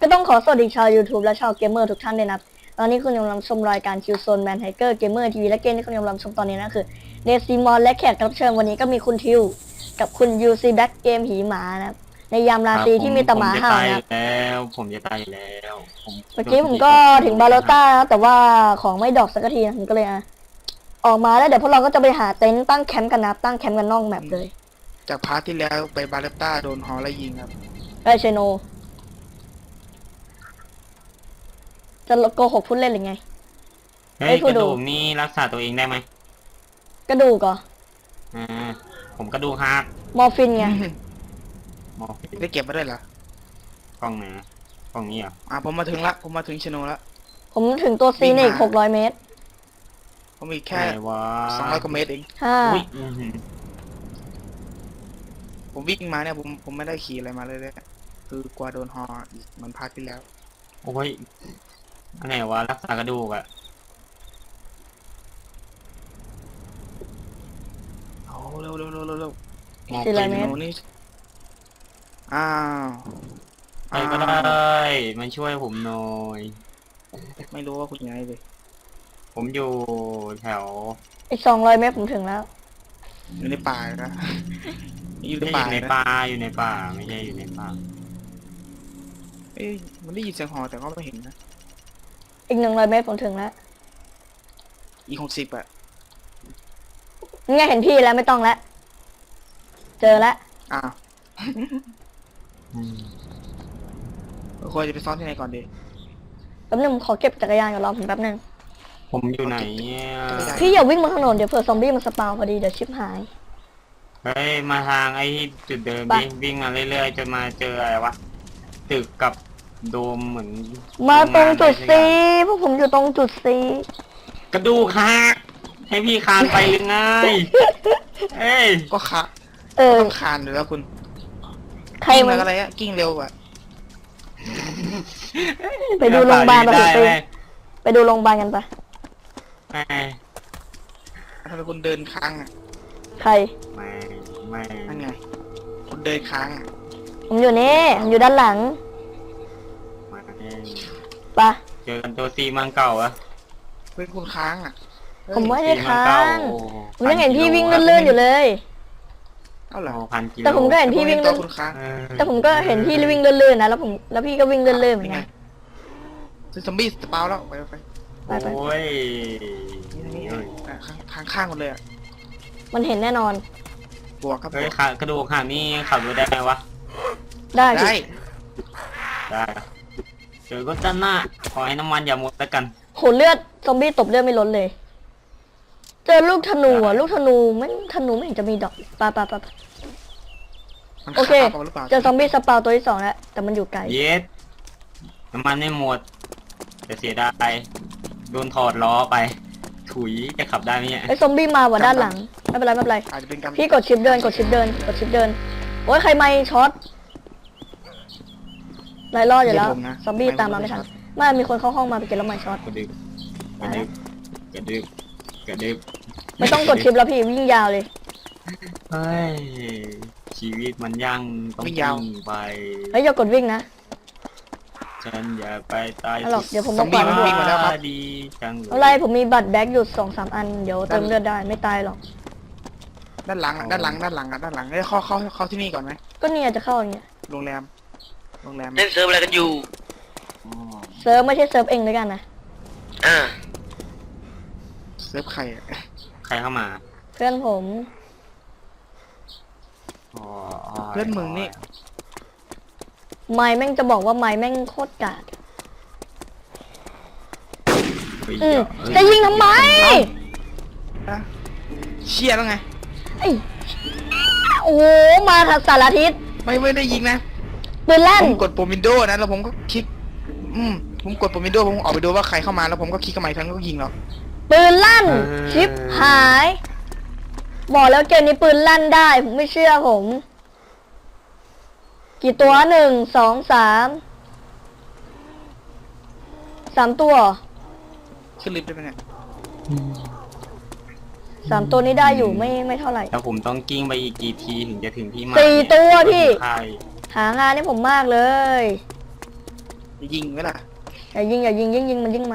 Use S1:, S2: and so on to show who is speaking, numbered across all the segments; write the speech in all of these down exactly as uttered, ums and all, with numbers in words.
S1: ก็ต้องขอสวัสดีชาว YouTube และชาวเกมเมอร์ทุกท่านด้วยนะตอนนี้คุณกำลังชมรายการคิวโซนแมนไฮเกอร์เกมเมอร์ทีวีและเกมที่คุณกำลังชมตอนนี้นะคือเดซิมอนและแขกรับเชิญวันนี้ก็มีคุณทิวกับคุณยูซีแบ็กเกมหีหมานะในยามราตรีที่มีแต่หมาเห่านะ
S2: แล้วผมจะตายแล้ว
S1: เมื่อกี้ผมก็ถึงบาโลต้าแต่ว่าของไม่ดอกสักทีนะผมก็เลยอ่ะออกมาแล้วเดี๋ยวพวกเราก็จะไปหาเต็นท์ตั้งแคมป์กันนะตั้งแคมป์กันนอกแมปเลย
S3: จากพาร์ทที่แล้วไปบาเลต้าโดนฮอไล่ยิงครับ
S1: ไอ้เชโนจะโกหกพูดเล่นหรือไง
S2: เฮ้ยกระดูกนี่รักษาตัวเองได้ไหม
S1: กระดูกเหรอ
S2: อ่าผมกระดูกหัก
S1: มอร์ฟินไง
S2: มอร์ฟิน
S3: ได้เก็บมาได้เหรอก
S2: ล้องไหนกล้องนี้อ่ะ
S3: อ่าผมมาถึงละผมมาถึงชโนละ
S1: ผมถึงตัวซีในอีกหกร้อยเมตร
S3: ผมมีแค่สองร้อยกว่าเมตรเอง
S1: ฮ่า
S3: ผมวิ่งมาเนี่ยผมผมไม่ได้ขี่อะไรมาเลยเลยคือกลัวโดนฮออีกมันพาร์ทที่แล้ว
S2: โอ้ยอันไหนวะรักษากระดูกอ่ะ
S3: โอ้เร็วเร็วเร็วเร็วเร็ว
S1: สี่ร้อยเมตร
S3: นี่อ้าว
S2: ใครก็ได้มาช่วยผมหน่อย
S3: ไม่รู้ว่าคุณยังไงเลย
S2: ผมอยู่แถว
S1: อีกสองร้อยเมตรผมถึงแล้ว
S3: อยู่ในป่านะ
S2: อยู่ในป่าอยู่ในป่าอยู่ในป่าไม่ใช่อยู่ในป่า
S3: เอ้ยมันได้ยินเสียงฮอแต่ก็ไม่เห็นนะ
S1: อีกหนึ่งร้อยเมตรผมถึงแล้ว
S3: อีกหกสิบอะ
S1: นี่ไงเห็นพี่แล้วไม่ต้องแล้วเจอแล้ว
S3: อ้าวควรจะไปซ้อนที่ไหนก่อนดี
S1: แป๊บนึงขอเก็บจักรยานก่อนรอผมแป๊บนึง
S2: ผมอยู่ไหนเนี่ย
S1: พี่อย่าวิ่งบนถนนเดี๋ยวเผื่อซอมบี้มันสปาวพอดีเดี๋ยวชิปหาย
S2: เฮ้ยมาทางไอ้จุดเดิมดิวิ่งมาเรื่อยๆจนมาเจออะไรวะตึกกับโดมเหมือน
S1: มาตรงจุดซีพวกผมอยู่ตรงจุดซี
S2: กระดูกหักให้พี่คานไปหรือไงเอ้ย
S3: ก็ขา
S1: เออ
S3: ต้องคานอยู่แล้วคุณ
S1: ใครมัน
S3: อะไรอะกิ้งเร็วอะ
S1: ไปดูโรงพยาบาลไปไปไปดูโรงพยาบาลกันปะ
S3: ทำไมคุณเดินค้างอะ
S1: ใคร
S2: ไม่ไม่
S3: นั่นไงคุณเดินค้างอะ
S1: ผมอยู่นี่ผมอยู่ด้านหลังปะ
S2: เจอกันตัวซีมังเก่าอะ
S3: เป็นคุณค้างอะ
S1: ผมไม่ได้ค้างผมยังเห็นพี่วิ่งเลื่อนๆอยู่เลย
S3: เอาเหรอ
S1: แต่ผมก็เห็นพี่วิ่งเลื่อนแต่ผมก็เห็นพี่วิ่งเลื่อนๆนะแล้วผมแล้วพี่ก็วิ่งเลื่อนๆเหมือนกัน
S3: ซึ่งซอมบี้สปาวแล้วไปไป
S2: โอ้ย
S3: นี่ข้างข้างหมดเลยอะ
S1: มันเห็นแน่นอน
S3: บวกครับ
S2: เฮ้ยกระดูกหักนี่ขับรถได้ไหมวะ
S1: ได้
S3: ได้
S2: ได้เจอก็จะหน้าขอให้น้ำมันอย่าหมดแล้วกัน
S1: โหเลือดซอมบี้ตบเลือดไม่ล้นเลยเจอลูกธนูอ่ะลูกธนูไม่ธนูไม่เห็นจะมีดอกปะปะปะโอเคเจอซอมบี้สปาวตัวที่สองแล้วแต่มันอยู่ไกล
S2: เย็ดน้ำมันไม่หมดจะเสียดายโดนถอดล้อไปถุยจะขับได้ไหมเนี่ย
S1: ไอ้ซอมบี้มาว่ะด้านหลังไม่เป็นไรไม่เป็นไรพี่กดชิปเดินกดชิปเดินกดชิปเดินโอ้ยใครไม่ช็อตไล่รอดอยู่แล้วซอมบี้ตามมาไม่ทันไม่มีคนเข้าห้องมาไปเก็บแล้วไม่ช็อต
S2: กระดึบกระดึบกระดึบกระดึบ
S1: ไม่ต้องกดชิปแล้วพี่วิ่งยาวเลย
S2: เฮ้ยชีวิตมันยังต้องวิ่งไป
S1: เฮ้ยอย่ากดวิ่งนะ
S2: ฉันอย่าไปตาย
S1: หรอกเดี๋ยวผมต้องปล่อยมัน
S3: วิ่งมาแล้วครับ
S2: ดีจัง
S1: อะไรผมมีบัตรแบ็กอยู่สองสามอันเดี๋ยวเติมเลือดได้ไม่ตายหรอก
S3: ด้านหลังด้านหลังด้านหลังด้านหลังได้เข้าเข้าเข้าที่นี่ก่อนไหม
S1: ก็เนี่ยจะเข้าอย่างเงี้ย
S3: โรงแรมโรงแรม
S4: เล่นเซิร์ฟอะไรกันอยู่
S1: เซิร์ฟไม่ใช่เซิร์ฟเองด้วยกันนะ
S4: อ่า
S3: เซิร์ฟใคร
S2: ใครเข้ามา
S1: เพื่อนผม
S3: เพื่อนมึงนี่
S1: ไม้แม่งจะบอกว่าไม้แม่งโคตรกาดจะยิงทำไม
S3: เชี่ยแล้วไง
S1: ไอ้โอ้มาสารทิศ
S3: ไม่ไม่ได้ยิงนะ
S1: ปืนลั่น
S3: ผมกดปุ่มวินโดว์นะแล้วผมก็คลิกอืมผมกดปุ่มวินโดว์ผมออกไปดูว่าใครเข้ามาแล้วผมก็คลิกเข้ามาทั้งก็ยิงเรา
S1: ปืนลั่นชิปหายบอกแล้วเกมนี้ปืนลั่นได้ผมไม่เชื่อผมกี่ตัวหนึ่งสองสามสามตัว
S3: ขึ้นลิฟต์ได้ไหมเนี่ย
S1: สามตัวนี้ได้อยู่ไม่ไม่เท่าไหร่
S2: แล้วผมต้องกิ้งไปอีกกี่ทีถึงจะถึงที่หมาย
S1: สี่ตัวพี่หางานให้ผมมากเลย
S3: จะยิงไหมล่ะ
S1: อย่ายิงอย่ายิงยิงยิงมันยิงมา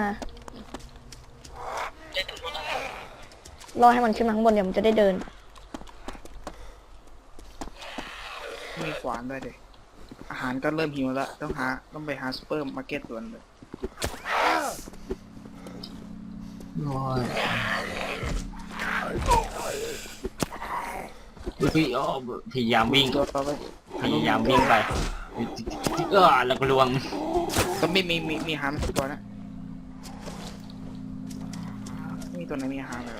S1: รอให้มันขึ้นมาข้างบนเดี๋ยวมันจะได้เดิน
S3: มีขวานด้วยเด็อาหารก็เริ่มหิวแล้วต้องหาต้องไปหาซูเปอร์มาร์เก็ตด่วนเลย
S2: โอ้ยเฮ้ยอ้อพยายามวิ่ง
S3: ตัวต่อไป
S2: พยายามวิ่งไปเออแล้วก็ลวง
S3: ก็มีมีมีมีอาหารสักตัวนะไม่มีตัวไหนมีอาหารเลย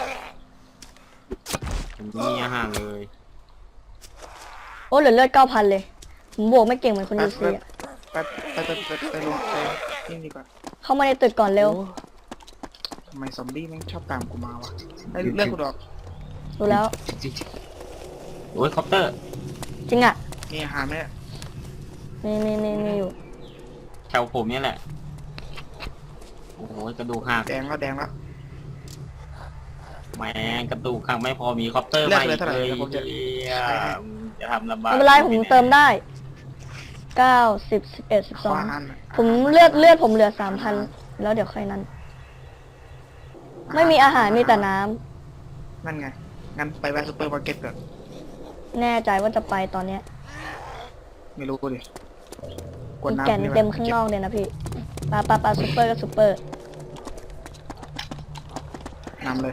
S2: ผมมีอาหารเลย
S1: โอ้เหลือเลือดเก้าพันเลย ผมบวกไม่เก่งเหมือนคนยูซีอะ
S3: ไปไปไปไปไปลงไปนี่ดีกว่า
S1: เข้ามาในตึกก่อนเร็ว
S3: โอ้ทำไมซอมบี้แม่งชอบตามกูมาวะไอ้เรื่องกูดอก
S1: ดูแล้ว
S2: โอ้ยคอปเตอร์
S1: จริงอ่ะ
S3: มีอาหารไหมเนี่ย
S1: มีมีมีมีอยู่
S2: แถวผมเนี่ยแหละโอ้โหกระดูกหัก
S3: แดงแล้วแดงแล้ว
S2: แม่งกระดูกหักไม่พอมีคอปเตอร์
S3: เลือก
S2: มา
S3: เล
S2: อี
S3: ย
S2: ก
S3: เท่าไหร่
S2: เลย
S3: เดี๋ยวผมจะ
S2: เหี้ยจะทำลำบาก
S1: ไม่เป็นไรผมเติมได้ เก้าสิบสิบเอ็ดสิบ
S3: ข
S1: สอ
S3: วาง น
S1: ผมเลือดเลือดผมเหลือสามพันแล้วเดี๋ยวค่อยนั้น ไม่มีอาหารมีแต่น้ำ
S3: นั่นไงงั้นไปแวะซูเปอร์มาร์เก็ตก่อน
S1: แน่ใจว่าจะไปตอนเนี้ย
S3: ไม่รู้ดิกว
S1: มี
S3: ดน้ำ
S1: แก่น
S3: นี่
S1: เต็มข้างนอกเลยนะพี่ปลาปลาปลาซูเปอร์ก็ซูเปอร์
S3: น้ำเลย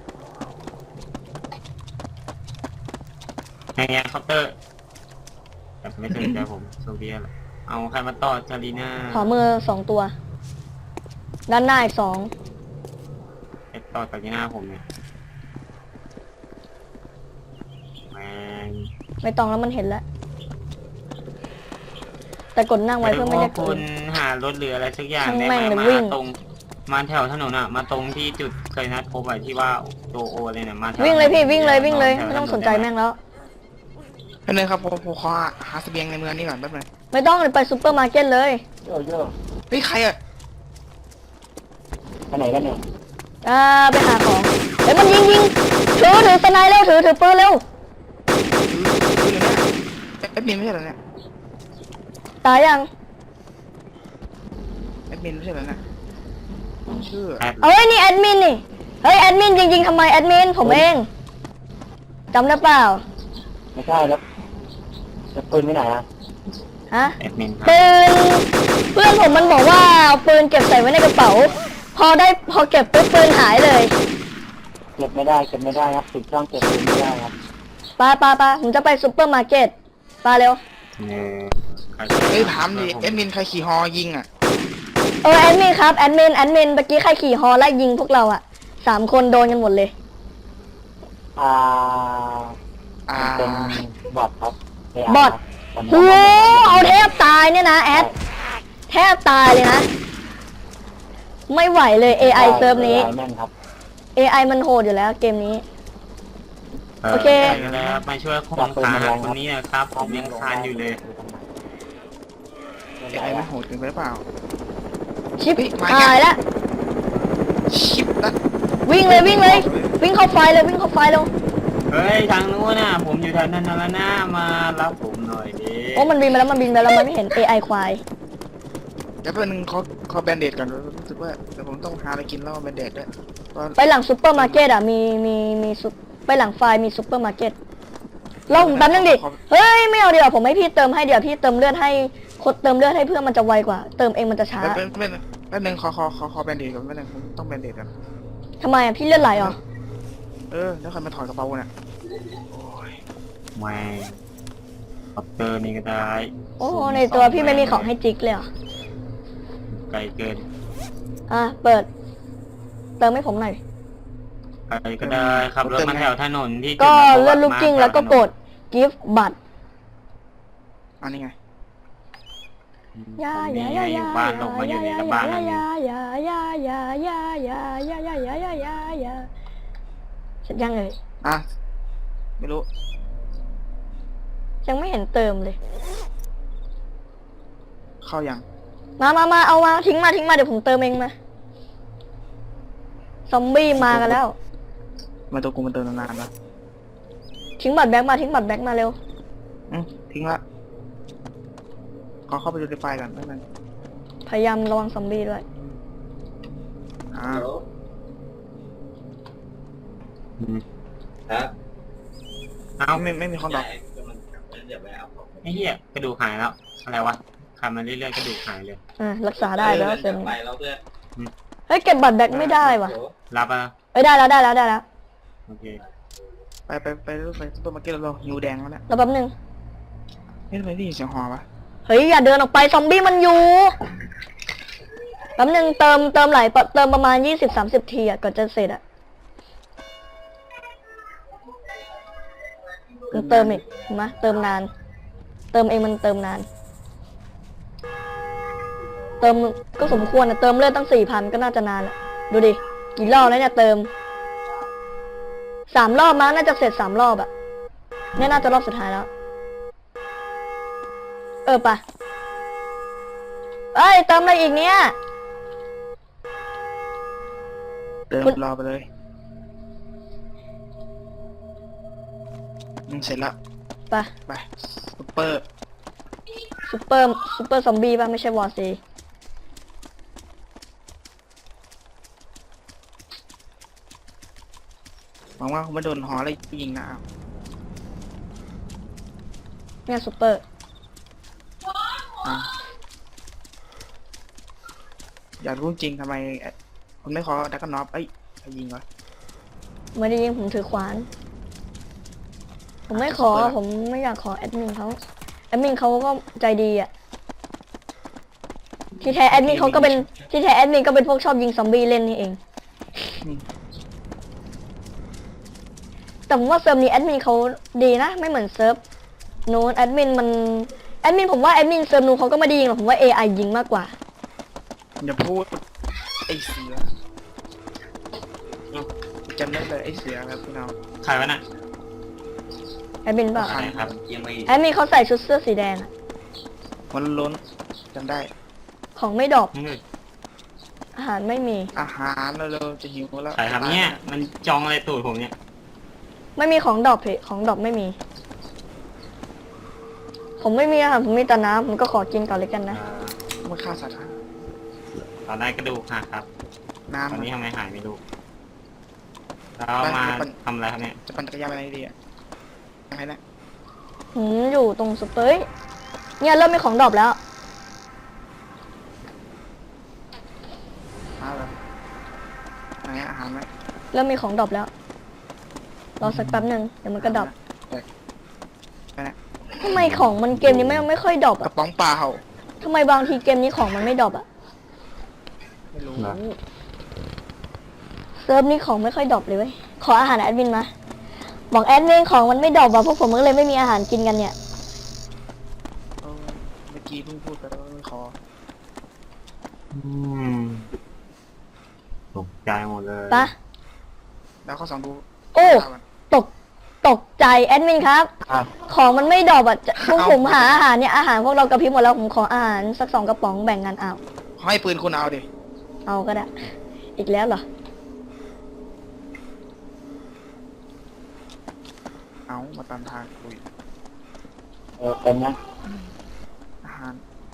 S2: ไงไงคอปเตอร์แต่ไม่สนใจผมโซเวียตเอาใครมาต่อจารีน่า
S1: ขอมือสองตัว ด้านหน้าอีกสอง
S2: ไปต่อจารีน่าผมเนี่ยแม่ง
S1: ไม่ต้องแล้วมันเห็นแล้ว แต่กดนั่งไว้เพื่อไม่ได้
S2: คุ
S1: กิ
S2: ณ
S1: น
S2: หารถเรืออะไรสักอย่าง
S1: ช่าง
S2: ได้
S1: แม่
S2: ไหม
S1: งเลย
S2: มา
S1: วิ่ง
S2: ตรงมาแถวถนนอ่ะ มาตรงที่จุดเคยนัดพบอะที่ว่าโตโอเลยเนี่ยมาแถว
S1: วิ่งเลยพี่วิ่งเลยวิ่งเลย
S2: แถ
S1: ไม่ต้อง
S2: ถ
S1: สนใจแม่งแล้ว
S3: แป๊บนึงครับผมผมขอหาเสบียงในเมืองนี่ก่อนแป๊บนึง
S1: ไม่ต้องเลยไปซูเปอร์มาร์เก็ตเลย
S4: โยโย่
S3: เฮ้ยใครอะ
S4: ไปไหนกันเนี่ย
S1: อ่าไปหาของเฮ้ยมันยิงยิงถือถือสไนเร็วถือถือปืนเร็ว
S3: คืออยู่เนี่ยแอดมินไม่ใช่เหรอเนี่ย
S1: ตายยัง
S3: แอดมินไม่ใช่เหรอเนี่ยชื่อ
S2: แอด
S1: เอาไว้ยนี่แอดมินนี่เฮ้ยแอดมินจริงๆทำไมแอดมินผมเองจำได้เปล่า
S4: ไม่ใช่แล้วจะปืนไปไหนอ่ะ
S1: ฮะ
S2: แอดมินครับ
S1: ปืนเพื่อนผมมันบอกว่าเอาปืนเก็บใส่ไว้ในกระเป๋า พอได้พอเก็บปุ๊บปืนหายเลย
S4: เก็บไม่ได้เก็บไม่ได้ครับติดช่องเก็บปืนไม่ได้ครับ
S1: ปาปาปาผมจะไปซูเปอร์มาร์เก็ตปาเร็ว
S2: เออใคร
S3: เฮ้ยถามดิแอดมินใครขี่ฮอยิงอะ
S1: เออแอดมินครับแอดมินแอดมินเมื่อกี้ใครขี่ฮอไล่ยิงพวกเราอะสามคนโดนกันหมดเลย
S4: อ่า
S3: อ่า
S4: เป็นบอทครับ
S1: บอท โหเอาแทบตายเนี่ยนะแอดแทบตายเลยนะ ไม่ไหวเลย เอ ไอ เซิร์ฟนี้
S4: แม่นครับ
S1: เอ ไอ มันโหดอยู่แล้วเกมนี้ โอเค
S2: ได้แล้วมาช่วยคนขาหักคนนี้นะครับผมยังคานอยู่เลย
S3: ไอ้ไม่โหดเกินไปหรือเปล่า
S1: ชิป
S3: เฮ้ยมา
S1: ตายแล้ว
S3: ชิปละ
S1: วิ่งเลยวิ่งเลย วิ่งเข้าไฟเลยวิ่งเข้าไฟเลย
S2: เฮ้ยทางนู้นน่ะผมอยู่แถวนั้นแล้วนะมารับผมหน่อยดิ
S1: โอ้มันบินไปแล้วมันบินไปแล้วมันไม่เห็น เอ ไอ ควาย
S3: เดี๋ยวแป๊บนึงขอขอแบนเดดก่อนรู้สึกว่าเดี๋ยวผมต้องหาอะไรกินแล้วแบนเดดด้วยเพราะ
S1: ไปหลังซูเปอร์มาร์เก็ตอ่ะมีมีมีซุปไปหลังไฟมีซูเปอร์มาร์เก็ตลองแป๊บนึงดิเฮ้ยไม่เอาเดี๋ยวผมให้พี่เติมให้เดี๋ยวพี่เติมเลือดให้คนเติมเลือดให้เพื่อนมันจะไวกว่า เติมเองมันจะช้า
S3: แป๊บแป๊บแป๊บนึงแป๊บนึงขอขอขอขอแบนเดดก่อนแป๊บนึงผมต้องแบนเดดก่อน
S1: ทำไมอ่ะพี่เลือดไหลเหรอ
S3: เออแล้วใครมาถอดกระเป๋าเนี่ย
S2: แม่งคอปเตอร์นี่ก็ได้
S1: โอ้ในตัวพี่ไม่มีของให้จิกเลยเหรอ
S2: ไกลเกิน
S1: อ่ะเปิด เติมให้ผมหน่อย
S2: ไกลก็ได้ขับรถมาแถวถนนที่
S1: ก็
S2: จุดนัดพบ
S1: เลื่อนลูกกิ้ง
S2: มา
S1: แล้วก็กด gift บัตร
S3: อันนี้ไง
S1: ยา
S2: ผม
S1: ยา
S2: นี่
S1: ยา
S2: อยู่
S1: ยา
S2: บ้านลงมาอยู่ในกระบะนั่นเอง
S1: ยายายายายายายายายายายายาเสร็จยังเลย
S3: อ่ะไม่รู้
S1: ยังไม่เห็นเติมเลย
S3: เข้ายัง
S1: มามามาเอามาทิ้งมาทิ้งมาเดี๋ยวผมเติมเองมาซอมบี้มากันแล้ว
S3: มาตัวกูมันเติมนานๆแล้ว
S1: ทิ้งบัตรแบ็กมาทิ้งบัตรแบ็กมาเร็ว
S3: อืมทิ้งละขอเข้าไปดูในไฟล์ก่อนแป๊บนึง
S1: พยายามระวังซอมบี้ด้วย
S3: อ่า
S2: อืม
S5: ครับ
S2: เอ้า
S3: ไม่ไม่มีคนดอก
S2: ไอ้เหี้ยกระดูกหายแล้ว อะไรวะขับมาเรื่อยๆกระดูกหายเลย
S1: อ่ารักษาได้แล้วเซม
S5: ไปแล้วเพื่อน
S1: เฮ้ยเก็บบัตรแบ็คไม่ได้ว่ะ
S2: รับอ่ะ
S1: เอ้ยได้แล้วได้แล้วได้แล้ว
S2: โอเค
S3: ไปไปไปรถไฟซุปเปอร์มาร์เก็ตเราหิวแดงแล้วแหละ
S1: แล้วแป๊บนึง
S3: เฮ้ยทำไมได้ยินเสียงหอวะ
S1: เฮ้ยอย่าเดินออกไปซอมบี้มันอยู่แป๊บนึงเติมเติมหลายเติมประมาณยี่สิบสามสิบทีอ่ะก่อนจะเสร็จอ่ะมันเติมอีกเห็นไหมเติมนาน เติมเองมันเติมนาน เติมก็สมควรนะเติมเลือดตั้งสี่พันก็น่าจะนานละดูดิกี่รอบแล้วเนี่ยเติมสามรอบมั้งน่าจะเสร็จสามรอบอะเนี่ยน่าจะรอบสุดท้ายแล้ว เออปะเอ้ยเติมอะไรอีกเนี่ย
S3: เติม
S1: คุณ
S3: รอไปเลยอืมเสร็จแล้ว
S1: ปะ
S3: ไปซุปเปอร์
S1: ซูเปอร์ซูเปอร์ซอมบี้ป่ะไม่ใช่วอร์ซี
S3: หวังว่าคงไม่โดนหออะไรยิงนะอ้าว
S1: เนี่ยซูเปอร์
S3: อ่ะอยากรู้จริงทำไมเอ่อคุณไม่ขอดักกันน็อปเอ้ยใครยิงวะ
S1: ไม่ได้ยิงผมถือขวาน ผมไม่ขอผมไม่อยากขอแอดมินเขาแอดมินเขาก็ใจดีอ่ะที่แท้แอดมินเขาก็เป็นที่แท้แอดมินก็เป็นพวกชอบยิงซอมบี้เล่นนี่เอง แต่ผมว่าเซิร์ฟนี้แอดมินเขาดีนะไม่เหมือนเซิร์ฟนู้นแอดมินมันแอดมินผมว่าแอดมินเซิร์ฟนู้นเขาก็ไม่ได้ยิงหรอกผมว่า เอ ไอ ยิงมากกว่า
S3: อย่าพูดไอ้เสือจำได้เลยไอ้เสือครับพี่น้อง
S2: ใครวะน่ะ
S1: แอดมินเปล่า
S2: ใครครับ
S5: ยังไม่
S1: แอดมินเขาใส่ชุดเสื้อสีแดงอะ
S3: มันล้นจำได้
S1: ของไม่ดรอป
S2: นี่
S1: อาหารไม่มี
S3: อาหารเร็วๆจะหิวแล้ว
S2: ใครครับเนี่ยมันจองอะไรตูดผมเนี่ย
S1: ไม่มีของดรอปเพของดรอปไม่มี ผมไม่มีอาหารผมมีแต่น้ำผมก็ขอกินก่อนเลยกันนะ
S2: เอ่อ
S3: มันฆ่าสัตว์
S2: ตอนได้กระดูกหักครับ
S3: น้ำ
S2: ตอนนี้
S3: อะ
S2: ทำไมหายไม่รู้แล้วมาทำอะไรครับเนี่ย
S3: จะปั่นจักรยานไปไหนดีอ่ะยังไงนะ
S1: ผมอยู่ตรงสเปยเนี่ยเริ่มมีของดรอปแล้ว
S3: มาเลยไหนอาหารไหม
S1: เริ่มมีของดรอปแล้ว รอสักแป๊บหนึ่งเดี๋ยวมันก็ดรอป
S3: ไปนะ
S1: ทำไมของมันเกมนี้ไม่ไม่ค่อยดรอป
S3: ก
S1: อ่ะ
S3: ระป๋องเปล่า
S1: ทำไมบางทีเกมนี้ของมันไม่ดรอปอ่ะ
S3: ไม่รู้
S1: เซิร์ฟนี้ของไม่ค่อยดรอปเลยเว้ย ขออาหารแอดมินมา บอกแอดมินของมันไม่ดรอปอ่ะพวกผมก็เลยไม่มีอาหารกินกันเนี่ย
S3: เออเมื่อกี้เพิ่งพูดไปแล้วว่าขอ
S2: อืมตกใจหมดเลย
S1: ปะ
S3: แล้วข้อสองดู
S1: โอ้
S3: ข่าวกัน
S1: ตก ตกใจแอดมินครับ
S4: ครับ
S1: ของมันไม่ดรอปอ่ะจะพวก
S3: เอา
S1: ผมหาอาหารเนี่ยอาหารพวกเรากระพริบหมดแล้วผมขออาหารสักสองกระป๋องแบ่งกันเอา
S3: ให้ปืนคุณเอาดิ
S1: เอาก็ได้ อีกแล้วเหรอ
S3: เอามาตามทางคุย
S4: เออเป็นนะ
S3: อาหาร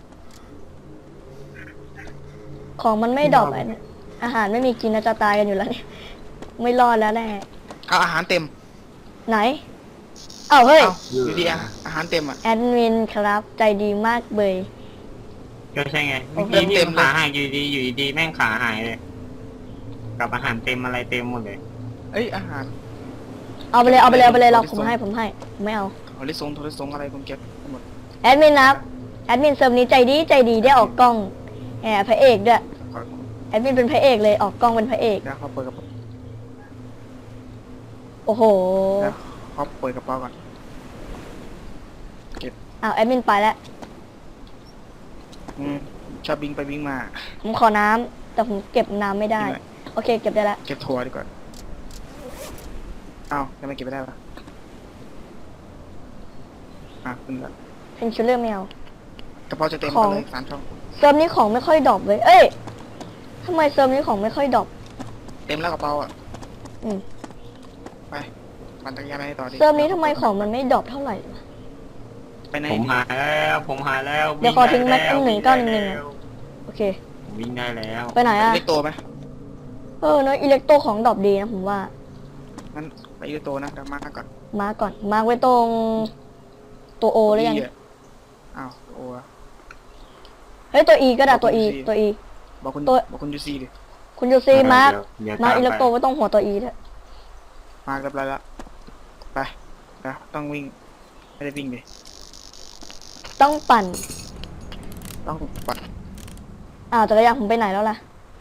S1: ของมันไม่ดรอปอ่ะเนี่ยอาหารไม่มีกินนะจะตายกันอยู่แล้วเนี่ยไม่รอดแล้วแน่
S3: เอาอาหารเต็ม
S1: ไหน เอ้าเฮ้ย
S3: เอาอยู่ดีอะอาหารเต็มอ่ะ
S1: แอดมินครับใจดีมากเบย
S2: ก็ใช่ไง
S3: โอ้
S2: เมื่อ
S3: โห
S2: กี้นี่
S3: เต็มเลย
S2: ขาหายอยู่ดีอยู่ดีแม่งขาหายเลย กับอาหารเต็มอะไรเต็มหมดเลย
S3: เอ้ยอาหาร
S1: เอาไปเลยเอาไปเลยเอาไปเลยเรา
S3: ข
S1: ผ
S3: อ
S1: ม
S3: ที่
S1: ให้
S3: ส่ง
S1: ผมให้ผมไม่เอา
S3: โทรศัพท์โทรศัพท์อะไรคุณเก็บหมด
S1: แอดมินนะครับแอดมินเซิร์ฟนี้ใจดีใจดีได้ออกกล้องแอบพระเอกด้วย
S3: ขอ
S1: แอดมินเป็นพระเอกเลยออกกล้องเป็นพระเอก
S3: เดี๋ยวเขาเปิดกระเป๋า
S1: โอ้โห
S3: เดี๋ยวเขาเปิดกระเป๋าก่อน
S1: อ้าวแอดมินไปแล้ว
S3: อืมชอบบิงไปบิงมา
S1: ผมขอน้ำแต่ผมเก็บน้ำไม่ได้
S3: นี่หน่อย
S1: โอเคเก็บได้แล้ว
S3: เก็บถั่วดีกว่าเอ้าทำไมเก็บไม่ได้วะอ่ะขึ้นละ
S1: เพนชูเลอร์แมว
S3: กระเป๋าจะเต็ม
S1: ของ
S3: ไปเลยสามช่อง
S1: เซิร์ฟนี้ของไม่ค่อยดรอปเลยเอ้ยทำไมเซิร์ฟนี้ของไม่ค่อยดรอป
S3: เต็มแล้วกระเป๋าอ่ะ
S1: อืม
S3: ไปปั่นจักรยานไปต่อดิ
S1: เซิร์ฟนี้ทำไมของมันไม่ดรอปเท่าไหร่วะ
S3: ไปไหน
S2: ผมหายแล้วผมหายแล้ว
S1: เดี๋ยวขอทิ้งแม็กซ์หนึ่งเก้าหนึ่งหนึ่ง
S3: ไ
S1: โอเค
S2: วิ่งได้แล้ว
S1: ไปไหนอะ
S3: เล็กโตไหม
S1: เออเนอะอิเล็กโตของดรอปดีนะผมว่า
S3: งั้นไปเล็กโตนะเดี๋ยวมาก่อน
S1: มาร์กก่อน มาร์กไว้ตรงตัวโอหรือยัง
S3: อีอะอ้าวโอ้อะ
S1: เฮ้ยตัวอีก็ได้
S3: บอก
S1: ตัวอี
S3: คุณ ซี
S1: ตัวอี
S3: บอกคุณ
S1: ตัว
S3: บอกคุณยูซีดิ
S1: คุณยูซีมาร์ก
S2: เดี๋ยว
S1: มาร์ก
S2: ต
S1: อิเล็กโต
S2: ไป
S1: ไว้ตรงหัวตัวอีด้วย
S3: มาเรียบร้อยแล้วไปนะต้องวิ่งไม่ได้วิ่งดิ
S1: ต้องปั่น
S3: ต้องปัด
S1: อ้าวจักรยานผมไปไหนแล้วล่ะ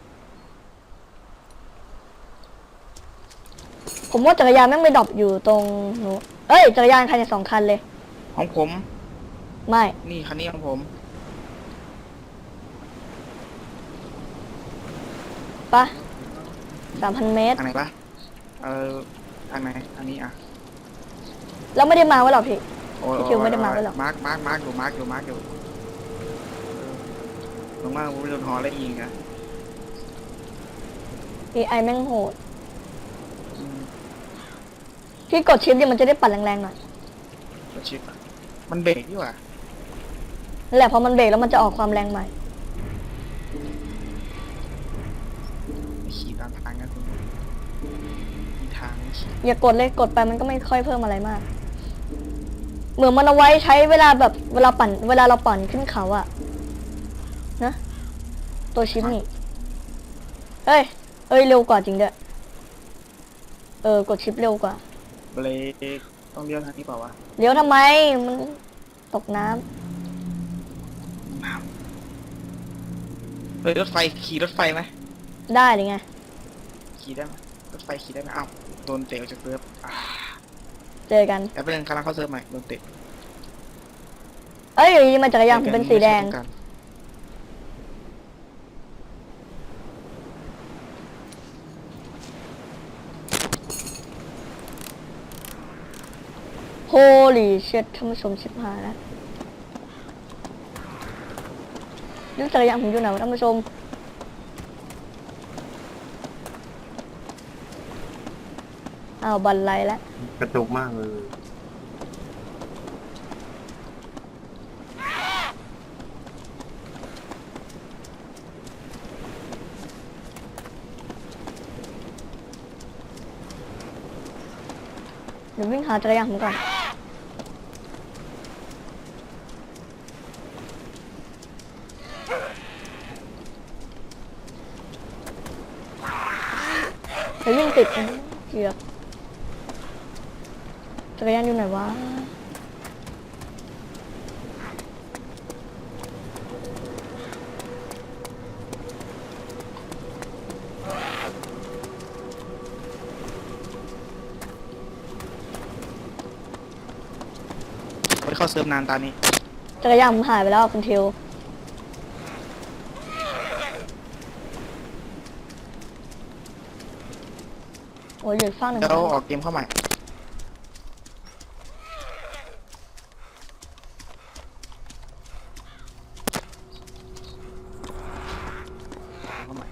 S1: ผมว่าจักรยานแม่งไม่ดรอปอยู่ตรงหนูเอ้ยจักรยานคันเนี่ยสองคันเลย
S3: ของผม
S1: ไม่
S3: นี่คันนี้ของผม
S1: ปะสามพันเมตร
S3: ทางไหนปะเออทางไหนทางนี้อ่ะ
S1: แล้วไม่ได้มาไว้หรอกพี่
S3: โอ้ย
S1: พี่คิวไม่ได้มาไว้หรอก
S3: มาร์กมาร์กมาร์กอยู่มาร์กอยู่มาร์กอยู่ลงมาผมไปโดนหอแล้วยิงนะ
S1: เอไอแม่งโหด
S3: อืม
S1: พี่กดชิปเนี่ยมันจะได้ปั่นแรงๆหน่อย
S3: รถชิปอะมันเบรกดีกว่า
S1: นั่นแหละพอมันเบรกแล้วมันจะออกความแรงใหม่
S3: ขี่ตามทางกันคุณมีทางให้ขี่
S1: อย่ากดเลยกดไปมันก็ไม่ค่อยเพิ่มอะไรมาก เหมือนมันเอาไว้ใช้เวลาแบบเวลาปั่น เวลาเราปั่นขึ้นเขาอะนะตัวชิปนี่เฮ้ยเอ้ยเร็วกว่าจริงด้วยเออกดชิปเร็วกว่า
S3: เบรกต้องเลี้ยวทางนี้เปล่าวะ
S1: เดี๋ยวทำไมมันตกน้ำ
S3: น้ำเฮ้ยรถไฟขี่รถไฟไหม
S1: ได้หรือไง
S3: ขี่ได้ไหมรถไฟขี่ได้ไหมอ้าวโดนเตะออกจากเซิร์ฟอ่า
S1: เจอกัน
S3: แต่เป็นเรื่องกำลังเข้าเซิร์ฟใหม่โดนเตะ
S1: เอ้ยอยู่ดีมาจักรยานผมเป็นสีแดง
S3: ไม่ใช่ต้องการ
S1: โฮลี่เชิดท่านผู้ชมชิบหายแล้วนึกจักรยานผมอยู่ไหนวะท่านผู้ชมอ้าวบันไลแล้ว
S2: กระตุกมากเลย
S1: เดี๋ยววิ่งหาจักรยานผมก่อนเดี๋ยววิ่งติดเกือบจักรยานอยู่ไหนวะ
S3: ไม่ได้เข้าเซิร์ฟนานตอนนี้
S1: จักรยานผมหายไปแล้วคุณทิวโอ้ยเหลืออกฝั่งหนึ่ง
S3: แล้วออกเกมเข้าใหม่เข้าใหม่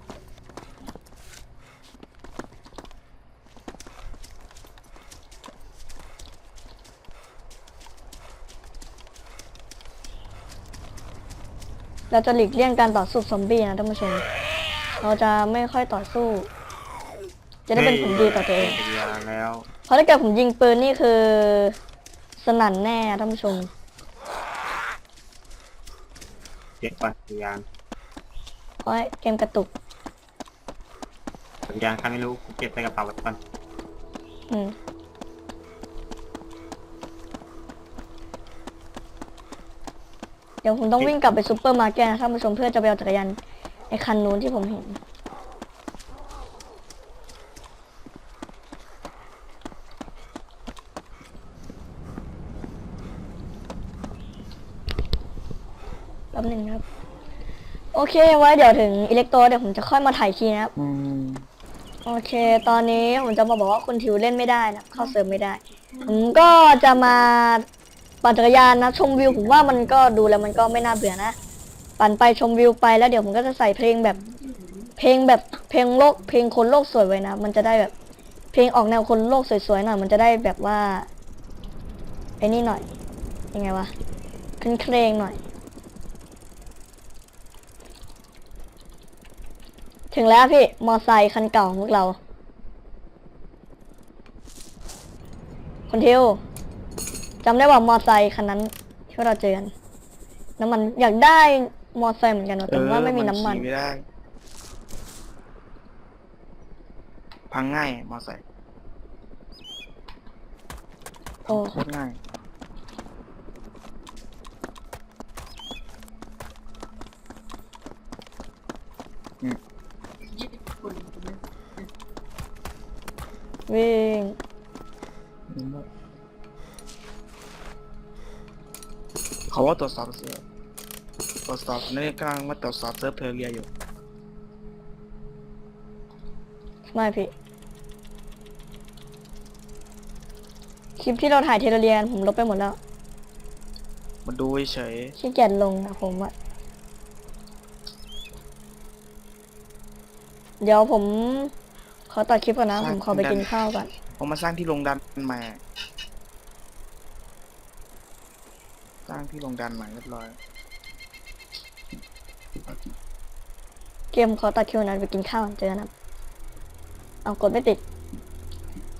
S1: เราจะหลีกเลี่ยงการต่อสู้ซอมบี้นะท่านผู้ชม เราจะไม่ค่อยต่อสู้ จะได้เป็นผลดีต่อตัวเอง
S2: จักรยานแล้ว
S1: เพราะถ้าเกิดผมยิงปืนนี่คือสนั่นแน่ท่านผู้ชม
S2: เก็บปัจักรยาน
S1: เพราะเกมกระตุก
S2: จักรยานใครไม่รู้เก็บใส่กระเป๋าไว้ก่อน
S1: อืมเดี๋ยวผมต้องวิ่งกลับไปซูเปอร์มาร์เก็ตนะท่านผู้ชมเพื่อจะไปเอาจักรยานไอ้คันนู้นที่ผมเห็น แป๊บหนึงนะครับ โอเคไว้เดี๋ยวถึงอิเล็กโตรเดี๋ยวผมจะค่อยมาถ่ายทีนะครับ
S3: อืม
S1: โอเค ตอนนี้ผมจะมาบอกว่าคุณทิวเล่นไม่ได้นะเข้าเซิร์ฟไม่ได้ ผมก็จะมาปั่นจักรยานนะชมวิวผมว่ามันก็ดูแล้วมันก็ไม่น่าเบื่อนะ ปั่นไปชมวิวไปแล้วเดี๋ยวผมก็จะใส่เพลงแบบ เพลงแบบเพลงโลกเพลงคนโลกสวยไว้นะ มันจะได้แบบ เพลงออกแนวคนโลกสวยๆหน่อยมันจะได้แบบว่าไอ้นี่หน่อย ยังไงวะขึ้นเครงหน่อยถึงแล้วพี่ มอไซค์คันเก่าของพวกเราคนทิวจำได้ว่ามอไซค์คันนั้นที่เราเจอกันน้ำมันอยากได้มอไซค์เหมือนกันว่ะแต่ว่าไม่มีน้ำมัน
S3: ขี่ไม่ได้ พังง่ายมอไซค์
S1: โอ้
S3: โคตรง่าย
S1: วิ่ง
S3: เขาว่าตรวจสอบเซิร์ฟตรวจสอบนี่กำลังมาตรวจสอบเซิร์ฟเทอร์เรียอยู่
S1: ไม่พี่คลิปที่เราถ่ายเทเลเรียนผมลบไปหมดแล้ว
S3: มาดูเฉย
S1: ขี้เกียจลงนะผมอะเดี๋ยวผมขอตัดคลิปก่อนนะ ผมขอไปกินข้าวก่อน
S3: ๆผมมาสร้างที่โรงดันใหม่สร้างที่โรงดันใหม่เรียบร้อย
S1: เกมขอตัดคลิปก่อนนะไปกินข้าวก่อนเจอกันนะเอากดไม่ติด